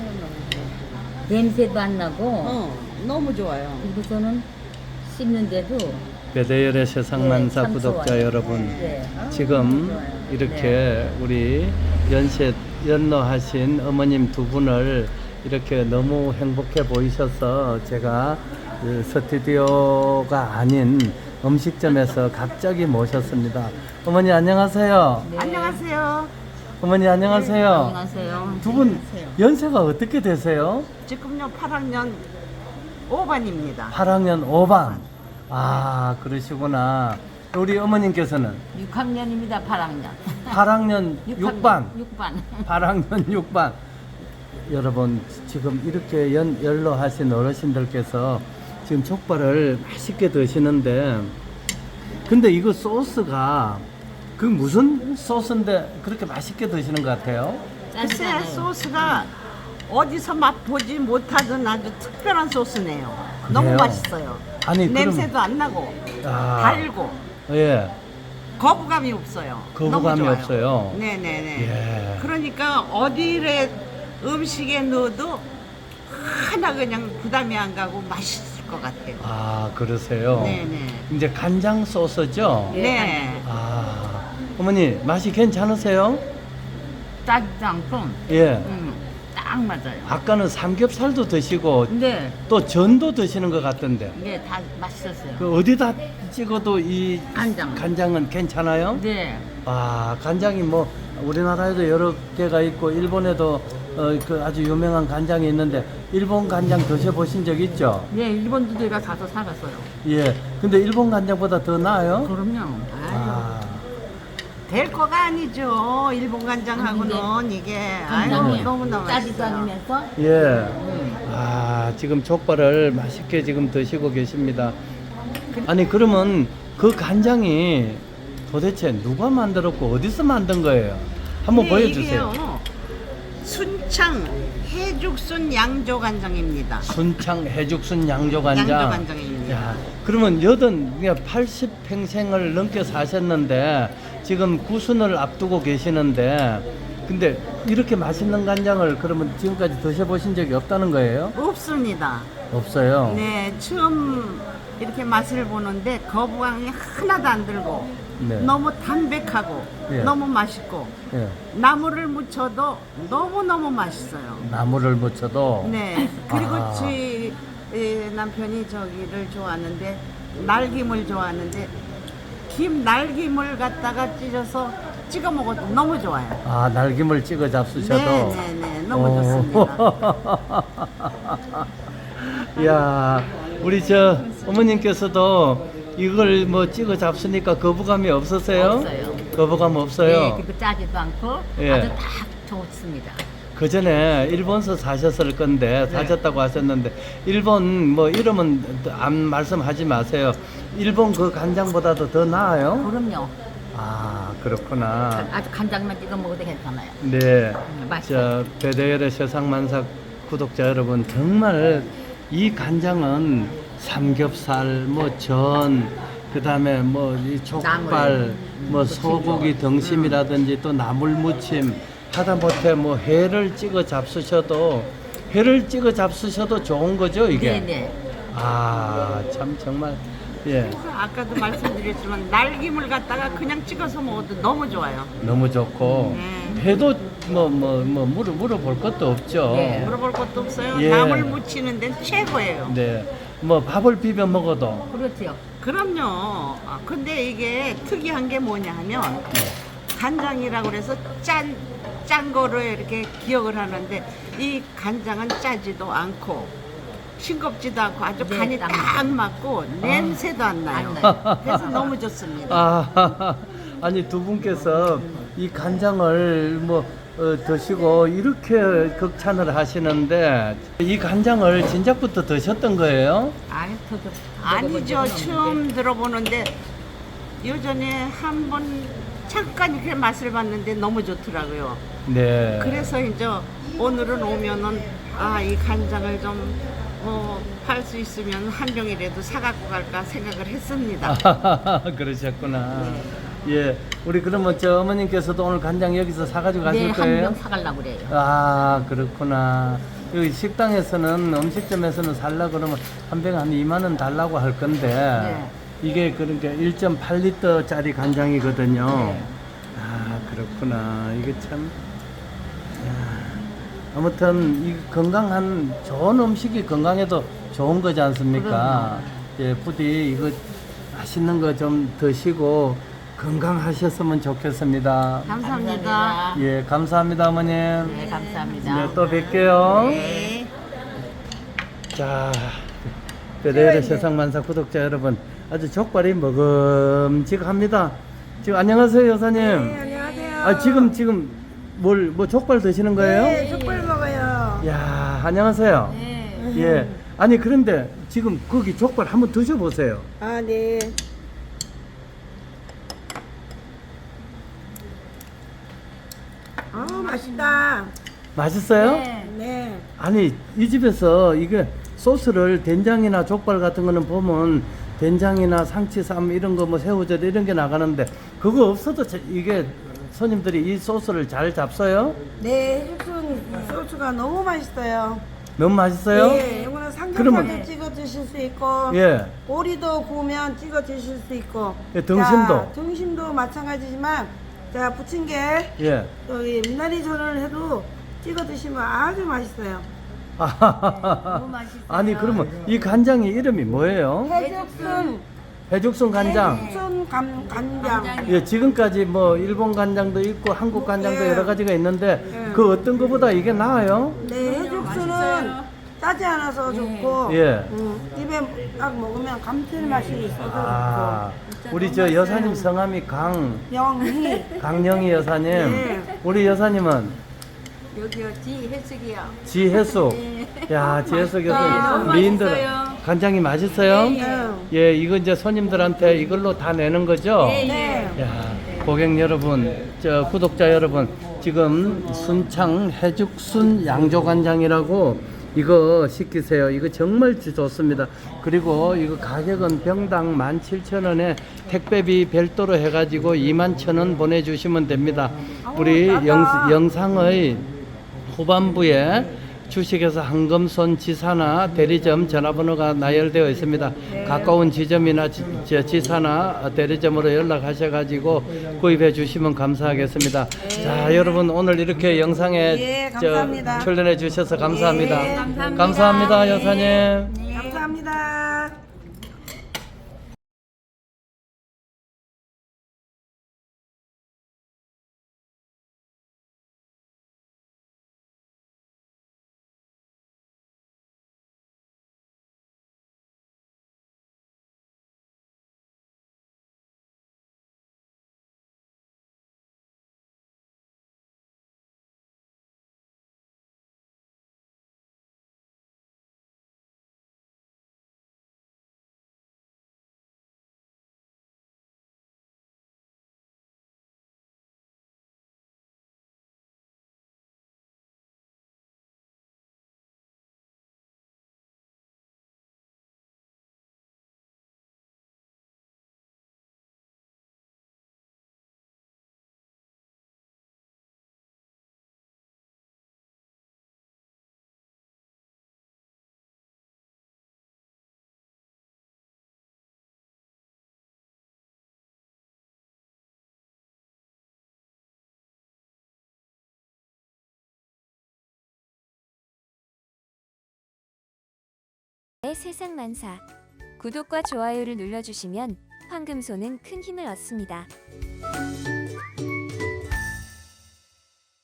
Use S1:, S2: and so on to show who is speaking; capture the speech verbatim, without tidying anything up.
S1: 냄새도 안 나고
S2: 어, 너무 좋아요.
S1: 그리고서는 씹는데도
S3: 배대열의 세상만사
S1: 네, 참
S3: 구독자
S1: 좋아요.
S3: 여러분,
S1: 네.
S3: 지금
S1: 좋아요.
S3: 이렇게 우리 연세 연로하신 어머님 두 분을 이렇게 너무 행복해 보이셔서 제가 그 스튜디오가 아닌 음식점에서 갑자기 모셨습니다. 어머니 안녕하세요.
S1: 네.
S2: 안녕하세요.
S3: 어머니 안녕하세요.
S1: 안녕하세요.
S3: 두 분 연세가 어떻게 되세요?
S2: 지금요 팔 학년 오 반입니다.
S3: 팔 학년 오 반. 아, 그러시구나. 우리 어머님께서는
S1: 육 학년입니다. 팔 학년.
S3: 팔 학년 육 반.
S1: 육 반.
S3: 팔 학년 육 반. 여러분, 지금 이렇게 연, 연로하신 어르신들께서 지금 족발을 맛있게 드시는데, 근데 이거 소스가 그 무슨 소스인데 그렇게 맛있게 드시는 것 같아요?
S2: 글쎄
S1: 짜지잖아요.
S2: 소스가 어디서 맛보지 못하던 아주 특별한 소스네요. 너무
S3: 그래요?
S2: 맛있어요.
S3: 아니, 그럼-
S2: 냄새도 안 나고
S3: 아,
S2: 달고
S3: 예,
S2: 거부감이 없어요.
S3: 거부감이
S2: 너무 좋아요.
S3: 없어요.
S2: 네네네.
S3: 예.
S2: 그러니까 어디에 음식에 넣어도 하나 그냥 부담이 안 가고 맛있을 것 같아요.
S3: 아, 그러세요?
S2: 네네.
S3: 이제 간장 소스죠?
S1: 예.
S2: 네.
S3: 아, 어머니, 맛이 괜찮으세요?
S1: 짜지도 않고
S3: 예.
S1: 음, 딱 맞아요.
S3: 아까는 삼겹살도 드시고
S1: 근데
S3: 또 전도 드시는 것 같던데.
S1: 이게 다 맛있었어요.
S3: 그 어디다 찍어도 이
S1: 간장.
S3: 간장은 괜찮아요?
S1: 네.
S3: 아, 간장이 뭐 우리나라에도 여러 개가 있고 일본에도 어, 그 아주 유명한 간장이 있는데 일본 간장 드셔보신 적 있죠?
S1: 네, 일본도 제가 가서 사갔어요.
S3: 예. 근데 일본 간장보다 더 나아요?
S1: 그럼요.
S3: 아,
S2: 될 거가 아니죠. 일본 간장하고는 이게 아유
S1: 간장이
S2: 너무너무
S1: 짜지도
S2: 맛있어요.
S1: 않으면서
S3: 예. 아, 지금 족발을 맛있게 지금 드시고 계십니다. 아니, 그러면 그 간장이 도대체 누가 만들었고 어디서 만든 거예요? 한번
S2: 네,
S3: 보여주세요.
S2: 이게요, 순창 해죽순 양조 간장입니다.
S3: 순창 해죽순 양조간장.
S2: 양조간장입니다.
S3: 야, 그러면 여든 그러니까 팔십 평생을 넘게 사셨는데 지금 구순을 앞두고 계시는데 근데 이렇게 맛있는 간장을 그러면 지금까지 드셔보신 적이 없다는 거예요?
S2: 없습니다.
S3: 없어요.
S2: 네, 처음 이렇게 맛을 보는데 거부감이 하나도 안 들고
S3: 네.
S2: 너무 담백하고
S3: 예.
S2: 너무 맛있고
S3: 예.
S2: 나물을 무쳐도 너무너무 맛있어요.
S3: 나물을 묻혀도
S2: 네. 그리고
S3: 아.
S2: 저희 에, 남편이 저기를 좋아하는데 날김을 좋아하는데 김 날김을 갖다가 찢어서 찍어 먹어도 너무 좋아요.
S3: 아, 날김을 찍어 잡수셔도
S2: 네네네 너무
S3: 오.
S2: 좋습니다.
S3: 야, 우리 저 어머님께서도 이걸 뭐 찍어 잡수니까 거부감이 없으세요?
S1: 없어요.
S3: 거부감 없어요?
S1: 네, 그리고 짜지도 않고
S3: 예.
S1: 아주 딱 좋습니다.
S3: 그 전에 일본서 사셨을 건데 사셨다고 하셨는데 일본 뭐 이름은 안 말씀하지 마세요. 일본 그 간장보다도 더 나아요?
S1: 그럼요.
S3: 아, 그렇구나.
S1: 아주 간장만 찍어 먹어도 괜찮아요.
S3: 네.
S1: 음, 맛있어요.
S3: 저 배대열의 세상만사 구독자 여러분, 정말 이 간장은 삼겹살, 뭐 전, 그다음에 뭐 이 족발,
S1: 나물,
S3: 뭐
S1: 무침
S3: 소고기 등심이라든지 또 나물 무침, 하다못해 뭐 회를 찍어 잡수셔도 회를 찍어 잡수셔도 좋은 거죠, 이게.
S1: 네네.
S3: 아, 참 정말 예,
S2: 아까도 말씀드렸지만 날김을 갖다가 그냥 찍어서 먹어도 너무 좋아요.
S3: 너무 좋고
S2: 네.
S3: 회도 뭐 뭐 뭐 물어 물어볼 것도 없죠.
S1: 네.
S2: 물어볼 것도 없어요.
S3: 예.
S2: 나물 무치는 데는 최고예요.
S3: 네. 뭐 밥을 비벼 먹어도
S1: 그렇죠.
S2: 그럼요. 아, 근데 이게 특이한 게 뭐냐 하면 간장이라고 그래서 짠, 짠 거로 이렇게 기억을 하는데 이 간장은 짜지도 않고 싱겁지도 않고 아주
S1: 네,
S2: 간이
S1: 딱
S2: 딱 맞고 냄새도 안 나요.
S1: 안 나요.
S2: 그래서 너무 좋습니다.
S3: 아, 아니 두 분께서 이 간장을 뭐 어, 드시고 이렇게 극찬을 하시는데 이 간장을 진작부터 드셨던 거예요?
S1: 아니, 더, 더,
S2: 아니죠. 처음 들어보는데 예전에 한 번 잠깐 이렇게 맛을 봤는데 너무 좋더라고요.
S3: 네.
S2: 그래서 이제 오늘은 오면은 아, 이 간장을 좀 뭐 팔 수 있으면 한 병이라도 사갖고 갈까 생각을 했습니다.
S3: 그러셨구나. 예, 우리 그러면 저 어머님께서도 오늘 간장 여기서 사가지고 가실
S1: 네,
S3: 거예요?
S1: 한 병 사가려고 그래요.
S3: 아, 그렇구나. 여기 식당에서는 음식점에서는 살라 그러면 한 병에 한 이만 원 달라고 할 건데
S1: 네.
S3: 이게 그러니까 일 점 팔 리터짜리 간장이거든요.
S1: 네.
S3: 아, 그렇구나. 이게 참 야, 아무튼 이 건강한 좋은 음식이 건강에도 좋은 거지 않습니까? 예, 부디 이거 맛있는 거 좀 드시고 건강하셨으면 좋겠습니다.
S2: 감사합니다.
S3: 예, 감사합니다, 어머님.
S1: 네, 감사합니다.
S3: 네, 또 뵐게요.
S2: 네.
S3: 자, 베레르 세상만사 구독자 여러분, 아주 족발이 먹음직합니다. 지금 안녕하세요, 여사님.
S4: 네, 안녕하세요.
S3: 아, 지금 지금 뭘 뭐 족발 드시는 거예요?
S4: 네, 족발 먹어요.
S3: 야, 안녕하세요.
S4: 네.
S3: 예. 아니 그런데 지금 거기 족발 한번 드셔보세요.
S4: 아, 네. 아, 맛있다.
S3: 맛있어요?
S4: 네.
S3: 아니 이 집에서 이게 소스를 된장이나 족발 같은 거는 보면 된장이나 상치쌈 이런 거 뭐 새우젓 이런 게 나가는데 그거 없어도 자- 이게 손님들이 이 소스를 잘 잡숴요?
S4: 네, 해죽순 소스가 너무 맛있어요.
S3: 너무 맛있어요?
S4: 네, 이거는 삼겹살도
S3: 그러면-
S4: 찍어 드실 수 있고,
S3: 예.
S4: 오리도 구우면 찍어 드실 수 있고,
S3: 예, 등심도.
S4: 자, 등심도 마찬가지지만, 자, 부침개,
S3: 예.
S4: 여기 미나리 전을 해도 찍어 드시면 아주 맛있어요.
S1: 너무 맛있어요.
S3: 아니 그러면 이 간장이 이름이 뭐예요?
S4: 해죽순,
S3: 해죽순 간장.
S4: 해죽순 간, 간장.
S3: 예, 지금까지 뭐 일본 간장도 있고 한국 간장도
S4: 예.
S3: 여러 가지가 있는데
S4: 예.
S3: 그 어떤 거보다 이게 나아요?
S4: 네, 해죽순은 짜지 않아서 좋고,
S3: 예.
S4: 음, 입에 딱 먹으면 감칠맛이 있어서
S3: 아, 우리 저 여사님 성함이 강
S4: 좋고, 영희.
S3: 강영희 여사님.
S4: 네.
S3: 우리 여사님은
S1: 여기요, 지혜숙이요.
S3: 지혜숙. 야, 지혜숙 여사님 미인들 간장이 맛있어요?
S4: 네.
S3: 예, 이거 이제 손님들한테 이걸로 다 내는 거죠?
S4: 네.
S3: 야, 고객 여러분, 저 구독자 여러분, 지금 순창 해죽순 양조간장이라고 이거 시키세요. 이거 정말 좋습니다. 그리고 이거 가격은 병당 만 칠천 원에 택배비 별도로 해가지고 이만 천 원 보내주시면 됩니다. 우리 영, 영상의 후반부에 주식회사 한금손 지사나 대리점 전화번호가 나열되어 있습니다. 가까운 지점이나 지, 저 지사나 대리점으로 연락하셔가지고 구입해 주시면 감사하겠습니다. 자, 여러분 오늘 이렇게 영상에
S4: 예,
S3: 저
S4: 감사합니다.
S3: 출연해 주셔서 감사합니다.
S4: 예,
S1: 감사합니다.
S3: 감사합니다, 여사님.
S4: 감사합니다.
S5: 세상만사 구독과 좋아요를 눌러주시면 황금소는 큰 힘을 얻습니다.